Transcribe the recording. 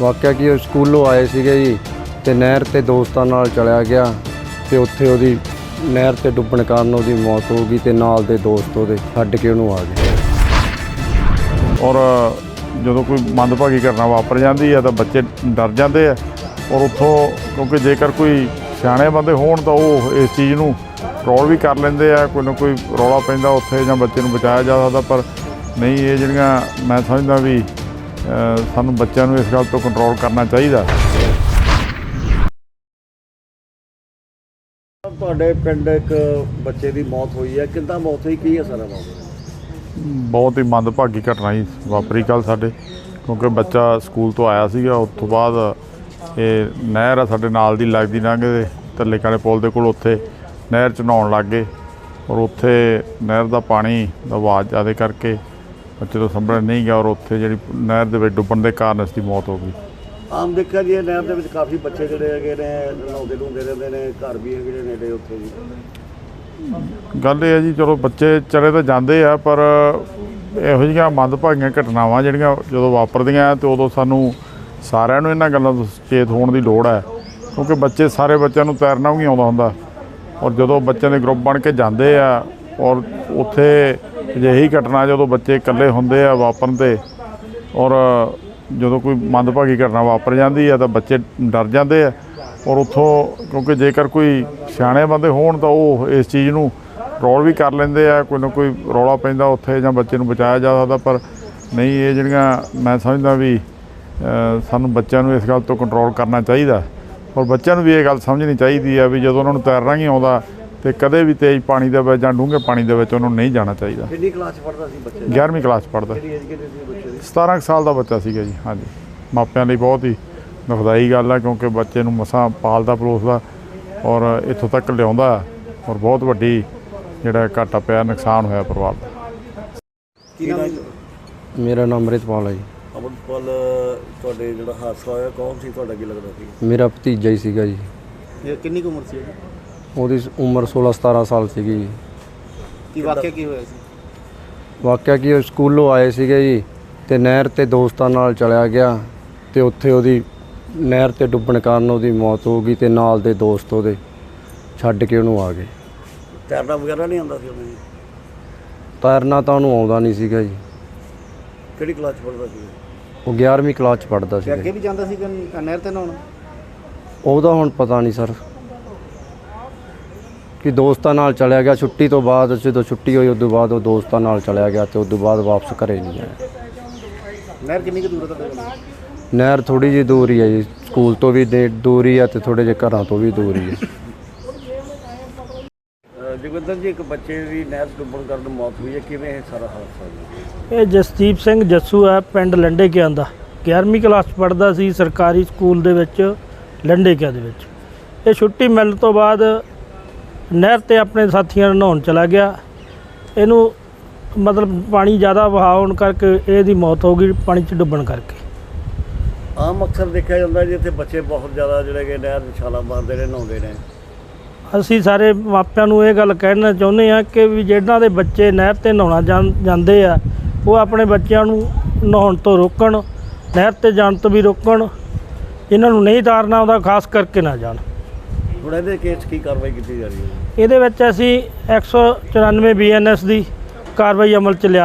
ਵਾਕਿਆ ਕਿ ਉਹ ਸਕੂਲੋਂ ਆਏ ਸੀਗੇ ਜੀ ਤੇ ਨਹਿਰ ਤੇ ਦੋਸਤਾਂ ਨਾਲ ਚਲਿਆ ਗਿਆ ਤੇ ਉੱਥੇ ਉਹਦੀ ਨਹਿਰ ਤੇ ਡੁੱਬਣ ਕਾਰਨ ਉਹਦੀ ਮੌਤ ਹੋ ਗਈ ਤੇ ਨਾਲ ਦੇ ਦੋਸਤ ਉਹਦੇ ਛੱਡ ਕੇ ਉਹਨੂੰ ਆ ਗਏ। ਔਰ ਜਦੋਂ ਕੋਈ ਮੰਦਭਾਗੀ ਘਟਨਾ ਵਾਪਰ ਜਾਂਦੀ ਹੈ ਤਾਂ ਬੱਚੇ ਡਰ ਜਾਂਦੇ ਆ ਔਰ ਉੱਥੋਂ ਕਿਉਂਕਿ ਜੇਕਰ ਕੋਈ ਸਿਆਣੇ ਬੰਦੇ ਹੋਣ ਤਾਂ ਉਹ ਇਸ ਚੀਜ਼ ਨੂੰ ਕੰਟਰੋਲ ਵੀ ਕਰ ਲੈਂਦੇ ਆ। ਕੋਈ ਨਾ ਕੋਈ ਰੌਲਾ ਪੈਂਦਾ ਉੱਥੇ ਜਾਂ ਬੱਚੇ ਨੂੰ ਬਚਾਇਆ ਜਾ ਸਕਦਾ, ਪਰ ਨਹੀਂ, ਇਹ ਜਿਹੜੀਆਂ ਮੈਂ ਸਮਝਦਾ ਵੀ ਸਾਨੂੰ ਬੱਚਿਆਂ ਨੂੰ ਇਸ ਗੱਲ ਤੋਂ ਕੰਟਰੋਲ ਕਰਨਾ ਚਾਹੀਦਾ। ਤੁਹਾਡੇ ਪਿੰਡ ਇੱਕ ਬੱਚੇ ਦੀ ਮੌਤ ਹੋਈ ਹੈ, ਕਿੱਦਾਂ ਮੌਤ ਹੋਈ, ਕੀ ਹੈ ਸਾਰਾ ਮਾਮਲਾ? ਬਹੁਤ ਹੀ ਮੰਦਭਾਗੀ ਘਟਨਾ ਹੀ ਵਾਪਰੀ ਕੱਲ੍ਹ ਸਾਡੇ, ਕਿਉਂਕਿ ਬੱਚਾ ਸਕੂਲ ਤੋਂ ਆਇਆ ਸੀਗਾ। ਉਸ ਤੋਂ ਬਾਅਦ ਇਹ ਨਹਿਰ ਆ ਸਾਡੇ ਨਾਲ ਦੀ ਲੱਗਦੀ ਲੰਘਦੇ ਥੱਲੇ ਕਾਲੇ ਪੁਲ ਦੇ ਕੋਲ, ਉੱਥੇ ਨਹਿਰ 'ਚ ਨਹਾਉਣ ਲੱਗ ਗਏ ਔਰ ਉੱਥੇ ਨਹਿਰ ਦਾ ਪਾਣੀ ਦਾ ਆਵਾਜ਼ ਜ਼ਿਆਦਾ ਕਰਕੇ ਬੱਚੇ ਤੋਂ ਸੰਭਲ ਨਹੀਂ ਗਿਆ ਔਰ ਉੱਥੇ ਜਿਹੜੀ ਨਹਿਰ ਦੇ ਵਿੱਚ ਡੁੱਬਣ ਦੇ ਕਾਰਨ ਇਸ ਦੀ ਮੌਤ ਹੋ ਗਈ। ਆਮ ਦੇਖਿਆ ਜੀ ਨਹਿਰ ਦੇ ਵਿੱਚ ਕਾਫੀ ਬੱਚੇ ਜਿਹੜੇ ਹੈਗੇ ਨੇ ਨਹਾਉਂਦੇ ਰਹਿੰਦੇ ਨੇ, ਘਰ ਵੀ ਹੈਗੇ ਨੇ ਨੇੜੇ ਉੱਥੇ ਜੀ। ਗੱਲ ਇਹ ਹੈ ਜੀ, ਚਲੋ ਬੱਚੇ ਚਲੇ ਤਾਂ ਜਾਂਦੇ ਆ, ਪਰ ਇਹੋ ਜਿਹੀਆਂ ਮੰਦਭਾਗੀਆਂ ਘਟਨਾਵਾਂ ਜਿਹੜੀਆਂ ਜਦੋਂ ਵਾਪਰਦੀਆਂ ਤੇ ਉਦੋਂ ਸਾਨੂੰ ਸਾਰਿਆਂ ਨੂੰ ਇਹਨਾਂ ਗੱਲਾਂ ਤੋਂ ਸੁਚੇਤ ਹੋਣ ਦੀ ਲੋੜ ਹੈ, ਕਿਉਂਕਿ ਬੱਚੇ ਸਾਰੇ ਬੱਚਿਆਂ ਨੂੰ ਤੈਰਨਾ ਵੀ ਆਉਂਦਾ ਹੁੰਦਾ ਔਰ ਜਦੋਂ ਬੱਚਿਆਂ ਦੇ ਗਰੁੱਪ ਬਣ ਕੇ ਜਾਂਦੇ ਆ ਔਰ ਉੱਥੇ ਅਜਿਹੀ ਘਟਨਾ ਜਦੋਂ ਬੱਚੇ ਇਕੱਲੇ ਹੁੰਦੇ ਆ ਵਾਪਰਨ 'ਤੇ ਔਰ ਜਦੋਂ ਕੋਈ ਮੰਦਭਾਗੀ ਘਟਨਾ ਵਾਪਰ ਜਾਂਦੀ ਹੈ ਤਾਂ ਬੱਚੇ ਡਰ ਜਾਂਦੇ ਆ ਔਰ ਉੱਥੋਂ ਕਿਉਂਕਿ ਜੇਕਰ ਕੋਈ ਸਿਆਣੇ ਬੰਦੇ ਹੋਣ ਤਾਂ ਉਹ ਇਸ ਚੀਜ਼ ਨੂੰ ਕੰਟਰੋਲ ਵੀ ਕਰ ਲੈਂਦੇ ਆ। ਕੋਈ ਨਾ ਕੋਈ ਰੌਲਾ ਪੈਂਦਾ ਉੱਥੇ ਜਾਂ ਬੱਚੇ ਨੂੰ ਬਚਾਇਆ ਜਾ ਸਕਦਾ, ਪਰ ਨਹੀਂ, ਇਹ ਜਿਹੜੀਆਂ ਮੈਂ ਸਮਝਦਾ ਵੀ ਸਾਨੂੰ ਬੱਚਿਆਂ ਨੂੰ ਇਸ ਗੱਲ ਤੋਂ ਕੰਟਰੋਲ ਕਰਨਾ ਚਾਹੀਦਾ ਔਰ ਬੱਚਿਆਂ ਨੂੰ ਵੀ ਇਹ ਗੱਲ ਸਮਝਣੀ ਚਾਹੀਦੀ ਆ ਵੀ ਜਦੋਂ ਉਹਨਾਂ ਨੂੰ ਤੈਰਨਾ ਨਹੀਂ ਆਉਂਦਾ ਤੇ ਕਦੇ ਵੀ ਤੇਜ਼ ਪਾਣੀ ਦੇ ਵਿੱਚ ਜਾਂ ਡੂੰਘੇ ਪਾਣੀ ਦੇ ਵਿੱਚ ਉਹਨਾਂ ਨੂੰ ਨਹੀਂ ਜਾਣਾ ਚਾਹੀਦਾ। ਕਿੰਨੀ ਕਲਾਸ 'ਚ ਪੜ੍ਹਦਾ ਸੀ ਬੱਚਾ? 11ਵੀਂ ਕਲਾਸ 'ਚ ਪੜ੍ਹਦਾ। ਕਿਹੜੀ ਏਜ ਕਿੰਨੀ ਸੀ ਬੱਚੇ ਦੀ? 17 ਸਾਲ ਦਾ ਬੱਚਾ ਸੀਗਾ ਜੀ। ਹਾਂਜੀ, ਮਾਪਿਆਂ ਲਈ ਬਹੁਤ ਹੀ ਦੁਖਦਾਈ ਗੱਲ ਆ, ਕਿਉਂਕਿ ਬੱਚੇ ਨੂੰ ਮਸਾਂ ਪਾਲਦਾ ਪਲੋਸਦਾ ਔਰ ਇੱਥੋਂ ਤੱਕ ਲਿਆਉਂਦਾ ਔਰ ਬਹੁਤ ਵੱਡੀ ਜਿਹੜਾ ਘਾਟਾ ਪਿਆ, ਨੁਕਸਾਨ ਹੋਇਆ ਪਰਿਵਾਰ ਦਾ। ਕੀ ਨਾਮ? ਮੇਰਾ ਨਾਮ ਅੰਮ੍ਰਿਤਪਾਲ ਹੈ ਜੀ। ਅੰਮ੍ਰਿਤਪਾਲ, ਤੁਹਾਡੇ ਜਿਹੜਾ ਹਾਦਸਾ ਹੋਇਆ ਕੌਣ ਸੀ, ਤੁਹਾਡਾ ਕੀ ਲੱਗਦਾ ਸੀ? ਮੇਰਾ ਭਤੀਜਾ ਹੀ ਸੀਗਾ ਜੀ। ਇਹ ਕਿੰਨੀ ਕੁ ਉਮਰ ਸੀ? ਉਹਦੀ ਉਮਰ 16-17 ਸਾਲ ਸੀਗੀ ਜੀ। ਕੀ ਵਾਕਿਆ ਕੀ ਹੋਇਆ ਸੀ? ਵਾਕਿਆ ਕਿ ਉਹ ਸਕੂਲੋਂ ਆਏ ਸੀਗੇ ਜੀ ਤੇ ਨਹਿਰ ਤੇ ਦੋਸਤਾਂ ਨਾਲ ਚਲਿਆ ਗਿਆ ਤੇ ਉੱਥੇ ਉਹਦੀ ਨਹਿਰ ਤੇ ਡੁੱਬਣ ਕਾਰਨ ਉਹਦੀ ਮੌਤ ਹੋ ਗਈ ਤੇ ਨਾਲ ਦੇ ਦੋਸਤ ਉਹਦੇ ਛੱਡ ਕੇ ਉਹਨੂੰ ਆ ਗਏ। ਤੈਰਨਾ ਵਗੈਰਾ ਨਹੀਂ ਆਉਂਦਾ ਸੀ ਉਹਨੂੰ? ਤੈਰਨਾ ਤਾਂ ਉਹਨੂੰ ਆਉਂਦਾ ਨਹੀਂ ਸੀਗਾ ਜੀ। ਕਿਹੜੀ ਕਲਾਸ 'ਚ ਪੜ੍ਹਦਾ ਸੀ? ਉਹ 11ਵੀਂ ਕਲਾਸ 'ਚ ਪੜ੍ਹਦਾ ਸੀ। ਅੱਗੇ ਵੀ ਜਾਂਦਾ ਸੀ ਨਹਿਰ ਤੇ ਨਹਾਉਣ? ਉਹਦਾ ਹੁਣ ਪਤਾ ਨਹੀਂ ਸਰ, ਕਿ ਦੋਸਤਾਂ ਨਾਲ ਚਲਿਆ ਗਿਆ ਛੁੱਟੀ ਤੋਂ ਬਾਅਦ। ਜਦੋਂ ਛੁੱਟੀ ਹੋਈ ਉਸ ਤੋਂ ਬਾਅਦ ਉਹ ਦੋਸਤਾਂ ਨਾਲ ਚਲਿਆ ਗਿਆ ਤੇ ਉਸ ਤੋਂ ਬਾਅਦ ਵਾਪਸ ਘਰੇ ਨਹੀਂ ਆਇਆ। ਨਹਿਰ ਕਿੰਨੀ ਕੁ ਦੂਰ ਹੈ ਤੁਹਾਡੇ ਕੋਲ? ਨਹਿਰ ਥੋੜ੍ਹੀ ਜਿਹੀ ਦੂਰ ਹੀ ਹੈ ਜੀ, ਸਕੂਲ ਤੋਂ ਵੀ ਦੂਰ ਹੀ ਹੈ ਤੇ ਥੋੜ੍ਹੇ ਜਿਹੇ ਘਰਾਂ ਤੋਂ ਵੀ ਦੂਰ ਹੀ ਹੈ। ਜਗਵਿੰਦਰ ਜੀ, ਇੱਕ ਬੱਚੇ ਦੀ ਨਹਿਰ 'ਚ ਡੁੱਬਣ ਕਾਰਨ ਮੌਤ ਹੋਈ ਹੈ, ਕਿਵੇਂ ਇਹ ਸਾਰਾ ਹਾਦਸਾ ਹੋਇਆ? ਇਹ ਜਸਦੀਪ ਸਿੰਘ ਜੱਸੂ ਹੈ, ਪਿੰਡ ਲੰਡੇ ਕਿਆਂ ਦਾ। 11ਵੀਂ ਕਲਾਸ 'ਚ ਪੜ੍ਹਦਾ ਸੀ ਸਰਕਾਰੀ ਸਕੂਲ ਦੇ ਵਿੱਚ ਲੰਡੇ ਕਿਆਂ ਦੇ ਵਿੱਚ। ਇਹ ਛੁੱਟੀ ਮਿਲਣ ਤੋਂ ਬਾਅਦ ਨਹਿਰ 'ਤੇ ਆਪਣੇ ਸਾਥੀਆਂ ਨਾਲ ਨਹਾਉਣ ਚਲਾ ਗਿਆ। ਇਹਨੂੰ ਮਤਲਬ ਪਾਣੀ ਜ਼ਿਆਦਾ ਵਹਾਅ ਹੋਣ ਕਰਕੇ ਇਹਦੀ ਮੌਤ ਹੋ ਗਈ, ਪਾਣੀ 'ਚ ਡੁੱਬਣ ਕਰਕੇ। ਆਮ ਅਕਸਰ ਦੇਖਿਆ ਜਾਂਦਾ ਜੀ ਇੱਥੇ ਬੱਚੇ ਬਹੁਤ ਜ਼ਿਆਦਾ ਜਿਹੜੇ ਕਿ ਨਹਿਰ 'ਚ ਛਾਲਾਂ ਮਾਰਦੇ ਨੇ, ਨਹਾਉਂਦੇ ਨੇ। ਅਸੀਂ ਸਾਰੇ ਮਾਪਿਆਂ ਨੂੰ ਇਹ ਗੱਲ ਕਹਿਣਾ ਚਾਹੁੰਦੇ ਹਾਂ ਕਿ ਵੀ ਜਿਹਨਾਂ ਦੇ ਬੱਚੇ ਨਹਿਰ 'ਤੇ ਨਹਾਉਣਾ ਜਾਂਦੇ ਆ, ਉਹ ਆਪਣੇ ਬੱਚਿਆਂ ਨੂੰ ਨਹਾਉਣ ਤੋਂ ਰੋਕਣ, ਨਹਿਰ ਤੇ ਜਾਣ ਤੋਂ ਵੀ ਰੋਕਣ। ਇਹਨਾਂ ਨੂੰ ਨਹੀਂ ਤਾਰਨਾ ਆਉਂਦਾ ਖਾਸ ਕਰਕੇ ਨਾ ਜਾਣ। ਹੁਣ ਇਹਦੇ ਕੇਸ ਕੀ ਕਾਰਵਾਈ ਕੀਤੀ ਜਾ ਰਹੀ ਹੈ? ਇਹਦੇ ਵਿੱਚ ਅਸੀਂ 194 BNS ਦੀ ਕਾਰਵਾਈ ਅਮਲ 'ਚ ਲਿਆ।